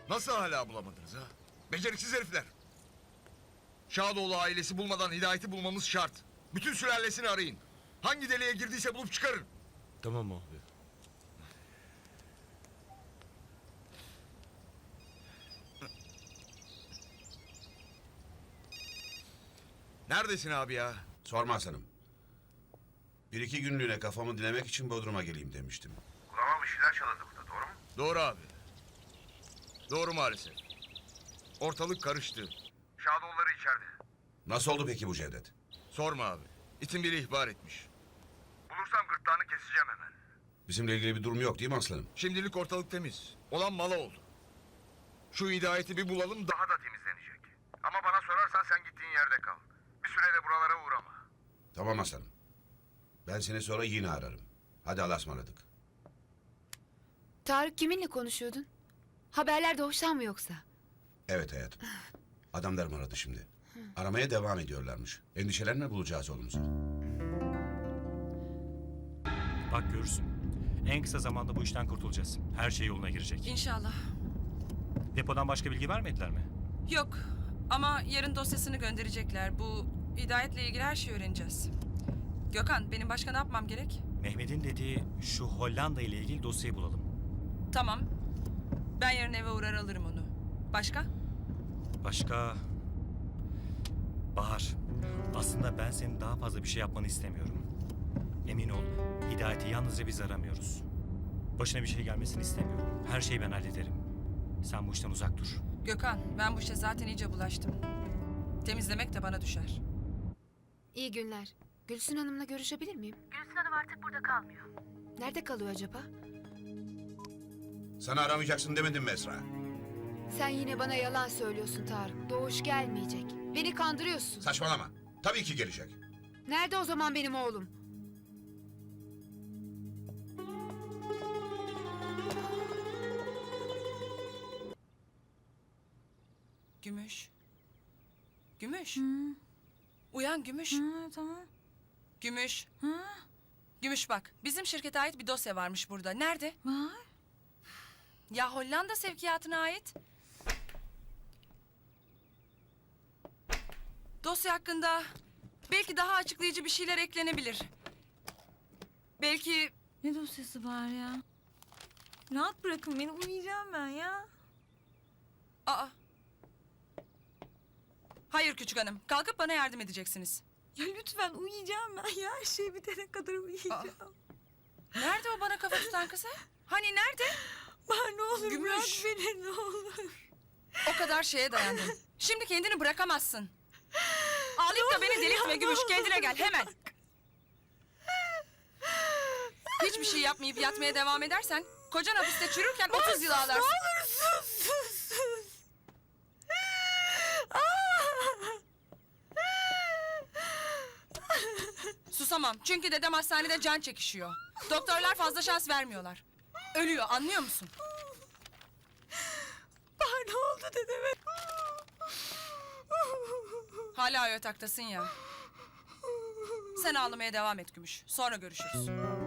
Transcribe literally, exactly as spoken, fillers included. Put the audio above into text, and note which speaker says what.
Speaker 1: Nasıl hala bulamadınız ha? Beceriksiz herifler. Şadoğlu ailesi bulmadan Hidayet'i bulmamız şart. Bütün sülalesini arayın. Hangi deliğe girdiyse bulup çıkarın.
Speaker 2: Tamam abi.
Speaker 1: Neredesin abi ya?
Speaker 3: Sorma Hasan'ım. Bir iki günlüğüne kafamı dinlemek için Bodrum'a geleyim demiştim.
Speaker 4: Kulağıma bir şeyler çalındı burada, doğru mu?
Speaker 1: Doğru abi. Doğru maalesef. Ortalık karıştı.
Speaker 4: Şadoğulları içeride.
Speaker 3: Nasıl oldu peki bu Cevdet?
Speaker 1: Sorma abi. İtin biri ihbar etmiş.
Speaker 4: Bulursam gırtlağını keseceğim hemen.
Speaker 3: Bizimle ilgili bir durum yok değil mi aslanım?
Speaker 1: Şimdilik ortalık temiz. Olan mala oldu. Şu Hidayet'i bir bulalım da...
Speaker 4: Daha da temizlenecek. Ama bana sorarsan sen gittiğin yerde kal. Bir süreyle buralara uğrama.
Speaker 3: Tamam aslanım. Ben seni sonra yine ararım. Hadi Allah'a ısmarladık.
Speaker 5: Tarık kiminle konuşuyordun? Haberler doğuştan mı yoksa?
Speaker 3: Evet hayatım. Adamlarım aradı şimdi. Aramaya devam ediyorlarmış. Endişelenme, bulacağız oğlumuzu.
Speaker 6: Bak görürsün. En kısa zamanda bu işten kurtulacağız. Her şey yoluna girecek.
Speaker 7: İnşallah.
Speaker 6: Depodan başka bilgi vermediler mi?
Speaker 7: Yok ama yarın dosyasını gönderecekler. Bu Hidayet'le ilgili her şeyi öğreneceğiz. Gökhan, benim başka ne yapmam gerek?
Speaker 6: Mehmet'in dediği şu Hollanda ile ilgili dosyayı bulalım.
Speaker 7: Tamam. Ben yarın eve uğrar alırım onu. Başka?
Speaker 6: Başka... Bahar, aslında ben senin daha fazla bir şey yapmanı istemiyorum. Emin ol, Hidayet'i yalnızca biz aramıyoruz. Başına bir şey gelmesini istemiyorum. Her şeyi ben hallederim. Sen bu işten uzak dur.
Speaker 7: Gökhan, ben bu işe zaten iyice bulaştım. Temizlemek de bana düşer.
Speaker 5: İyi günler. Gülsün Hanım'la görüşebilir miyim?
Speaker 8: Gülsün Hanım artık burada kalmıyor.
Speaker 5: Nerede kalıyor acaba?
Speaker 3: Sana aramayacaksın demedim mi Esra?
Speaker 5: Sen yine bana yalan söylüyorsun Tarık. Doğuş gelmeyecek. Beni kandırıyorsun.
Speaker 3: Saçmalama. Tabii ki gelecek.
Speaker 5: Nerede o zaman benim oğlum?
Speaker 7: Gümüş. Gümüş.
Speaker 8: Hı,
Speaker 7: Uyan Gümüş.
Speaker 8: hı, tamam.
Speaker 7: Gümüş.
Speaker 8: Hı,
Speaker 7: Gümüş bak, bizim şirkete ait bir dosya varmış burada. Nerede?
Speaker 8: var.
Speaker 7: Ya Hollanda sevkiyatına ait. Dosya hakkında belki daha açıklayıcı bir şeyler eklenebilir. Belki...
Speaker 8: Ne dosyası var ya? Rahat bırakın beni, uyuyacağım ben ya.
Speaker 7: Aa. Hayır küçük hanım, kalkıp bana yardım edeceksiniz.
Speaker 8: Ya lütfen uyuyacağım ben ya. Her şey bitene kadar uyuyacağım.
Speaker 7: Nerede o bana kafa tutan kız? ha? Hani nerede?
Speaker 8: Bahar ne olur
Speaker 7: Gümüş.
Speaker 8: bırak beni, ne olur.
Speaker 7: O kadar şeye dayandın. Şimdi kendini bırakamazsın. Ağlayıp da beni delirtme
Speaker 8: ya,
Speaker 7: Gümüş,
Speaker 8: ne
Speaker 7: kendine
Speaker 8: olur
Speaker 7: gel hemen. Hiçbir şey yapmayıp yatmaya devam edersen... ...kocan hapiste çürürken otuz yıl ağlarsın.
Speaker 8: Ne olur sus, sus, sus.
Speaker 7: Susamam çünkü dedem hastanede can çekişiyor. Doktorlar fazla şans vermiyorlar. Ölüyor, anlıyor musun?
Speaker 8: Bahar ne oldu dedeme?
Speaker 7: Hala yataktasın ya. Sen ağlamaya devam et Gümüş. Sonra görüşürüz.